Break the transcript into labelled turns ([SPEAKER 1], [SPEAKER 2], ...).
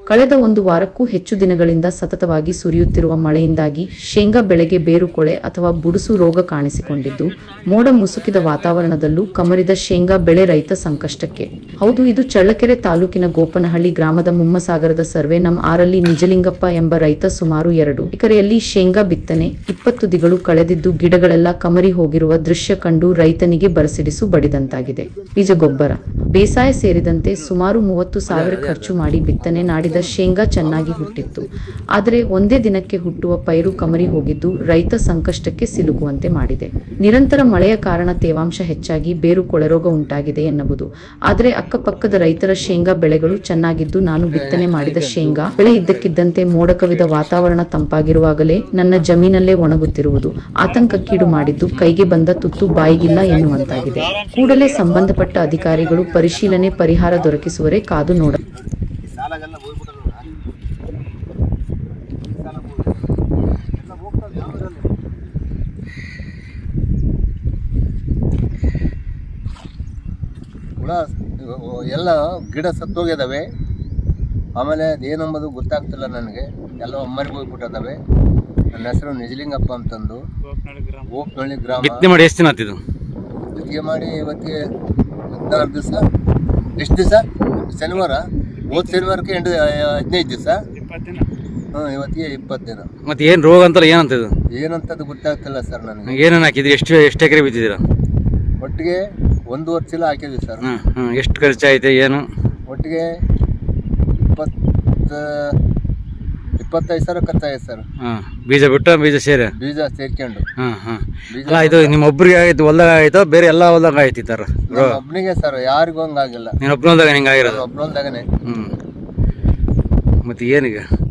[SPEAKER 1] ಕಳೆದ ಒಂದು ವಾರಕ್ಕೂ ಹೆಚ್ಚು ದಿನಗಳಿಂದ ಸತತವಾಗಿ ಸುರಿಯುತ್ತಿರುವ ಮಳೆಯಿಂದಾಗಿ ಶೇಂಗಾ ಬೆಳೆಗೆ ಬೇರುಕೊಳೆ ಅಥವಾ ಬುಡುಸು ರೋಗ ಕಾಣಿಸಿಕೊಂಡಿದ್ದು, ಮೋಡ ಮುಸುಕಿದ ವಾತಾವರಣದಲ್ಲೂ ಕಮರಿದ ಶೇಂಗಾ ಬೆಳೆ ರೈತ ಸಂಕಷ್ಟಕ್ಕೆ. ಹೌದು, ಇದು ಚಳ್ಳಕೆರೆ ತಾಲೂಕಿನ ಗೋಪನಹಳ್ಳಿ ಗ್ರಾಮದ ಮುಮ್ಮಸಾಗರದ ಸರ್ವೆ ನಂ 6ರಲ್ಲಿ ನಿಜಲಿಂಗಪ್ಪ ಎಂಬ ರೈತ ಸುಮಾರು 2 ಎಕರೆಯಲ್ಲಿ ಶೇಂಗಾ ಬಿತ್ತನೆ 20 ದಿಗಳು ಕಳೆದಿದ್ದು ಗಿಡಗಳೆಲ್ಲ ಕಮರಿ ಹೋಗಿರುವ ದೃಶ್ಯ ಕಂಡು ರೈತನಿಗೆ ಬರಸಿಡಿಸು ಬಡಿದಂತಾಗಿದೆ. ಬೀಜ ಗೊಬ್ಬರ, ಬೇಸಾಯ ಸೇರಿದಂತೆ ಸುಮಾರು 30,000 ಖರ್ಚು ಮಾಡಿ ಬಿತ್ತನೆ ಮಾಡಿದ ಶೇಂಗಾ ಚೆನ್ನಾಗಿ ಹುಟ್ಟಿತ್ತು. ಆದರೆ ಒಂದೇ ದಿನಕ್ಕೆ ಹುಟ್ಟುವ ಪೈರು ಕಮರಿ ಹೋಗಿದ್ದು ರೈತ ಸಂಕಷ್ಟಕ್ಕೆ ಸಿಲುಕುವಂತೆ ಮಾಡಿದೆ. ನಿರಂತರ ಮಳೆಯ ಕಾರಣ ತೇವಾಂಶ ಹೆಚ್ಚಾಗಿ ಬೇರು ಕೊಳೆರೋಗ ಉಂಟಾಗಿದೆ ಎನ್ನಬಹುದು. ಆದರೆ ಅಕ್ಕಪಕ್ಕದ ರೈತರ ಶೇಂಗಾ ಬೆಳೆಗಳು ಚೆನ್ನಾಗಿದ್ದು, ನಾನು ಬಿತ್ತನೆ ಮಾಡಿದ ಶೇಂಗಾ ಬೆಳೆ ಇದ್ದಕ್ಕಿದ್ದಂತೆ ಮೋಡ ಕವಿದ ವಾತಾವರಣ ತಂಪಾಗಿರುವಾಗಲೇ ನನ್ನ ಜಮೀನಲ್ಲೇ ಒಣಗುತ್ತಿರುವುದು ಆತಂಕಕ್ಕೀಡು ಮಾಡಿದ್ದು, ಕೈಗೆ ಬಂದ ತುತ್ತು ಬಾಯಿಗಿಲ್ಲ ಎನ್ನುವಂತಾಗಿದೆ. ಕೂಡಲೇ ಸಂಬಂಧಪಟ್ಟ ಅಧಿಕಾರಿಗಳು ಪರಿಶೀಲನೆ, ಪರಿಹಾರ ದೊರಕಿಸುವರೆ ಕಾದು ನೋಡ.
[SPEAKER 2] ಎಲ್ಲ ಗಿಡ ಸತ್ತೋಗಿದ್ದಾವೆ. ಆಮೇಲೆ ಅದೇನೆಂಬುದು ಗೊತ್ತಾಗ್ತಿಲ್ಲ ನನಗೆ. ಎಲ್ಲ ಒಮ್ಮರಿಗೆ ಹೋಗ್ಬಿಟ್ಟಿದ್ದಾವೆ. ನನ್ನ ಹೆಸರು ನಿಜಲಿಂಗಪ್ಪ ಅಂತಂದು, ಗೋಪನಹಳ್ಳಿ ಗ್ರಾಮ.
[SPEAKER 3] ಬಿತ್ತನೆ ಮಾಡಿ ಎಷ್ಟು ದಿನ ಆಯ್ತಿದ್ದು?
[SPEAKER 2] ಬಿತ್ತನೆ ಮಾಡಿ ಇವತ್ತಿಗೆ 14 ದಿವಸ. ಎಷ್ಟು ದಿವಸ? ಶನಿವಾರ. ಹೋದ ಶನಿವಾರಕ್ಕೆ 15 ದಿವಸ. ಇವತ್ತಿಗೆ 20 ದಿನ.
[SPEAKER 3] ಮತ್ತೆ ಏನು ರೋಗ ಅಂತಲ್ಲ, ಏನಂತ ಇದು?
[SPEAKER 2] ಏನಂತದ್ದು ಗೊತ್ತಾಗ್ತಿಲ್ಲ ಸರ್ ನನಗೆ.
[SPEAKER 3] ಏನೇನು ಹಾಕಿದ್ರಿ? ಎಷ್ಟು ಎಕರೆ ಬಿತ್ತಿದ್ದೀರಾ?
[SPEAKER 2] ಒಟ್ಟಿಗೆ 1.5 ಚೀಲ ಹಾಕಿದ್ವಿ ಸರ್.
[SPEAKER 3] ಎಷ್ಟು ಖರ್ಚಾಯ್ತು ಏನು?
[SPEAKER 2] ಒಟ್ಟಿಗೆ 25,000 ಖರ್ಚಾಗಿದೆ ಸರ್.
[SPEAKER 3] ಬೀಜ ಬಿಟ್ಟು ಬೀಜ
[SPEAKER 2] ಬೀಜ ಸೇರ್ಕೊಂಡು.
[SPEAKER 3] ಅಲ್ಲ, ಇದು ನಿಮ್ಮ ಒಬ್ಬರಿಗೆ ಆಯ್ತು ಹೊಲ್ದಾಗ ಆಯ್ತು, ಬೇರೆ ಎಲ್ಲ ಹೊಲ್ದಾಗ ಆಯ್ತು ಈ ಥರ?
[SPEAKER 2] ಒಬ್ಬನಿಗೆ ಸರ್, ಯಾರಿಗೂ ಹಂಗಾಗಿಲ್ಲ.
[SPEAKER 3] ನೀನು ಒಬ್ಬನ ಹೊಲ್ದಾಗ ಹಿಂಗೆ ಆಗಿರೋದು?
[SPEAKER 2] ಒಬ್ಬನೊಂದಾಗನೆ.
[SPEAKER 3] ಮತ್ತೆ ಏನೀಗ?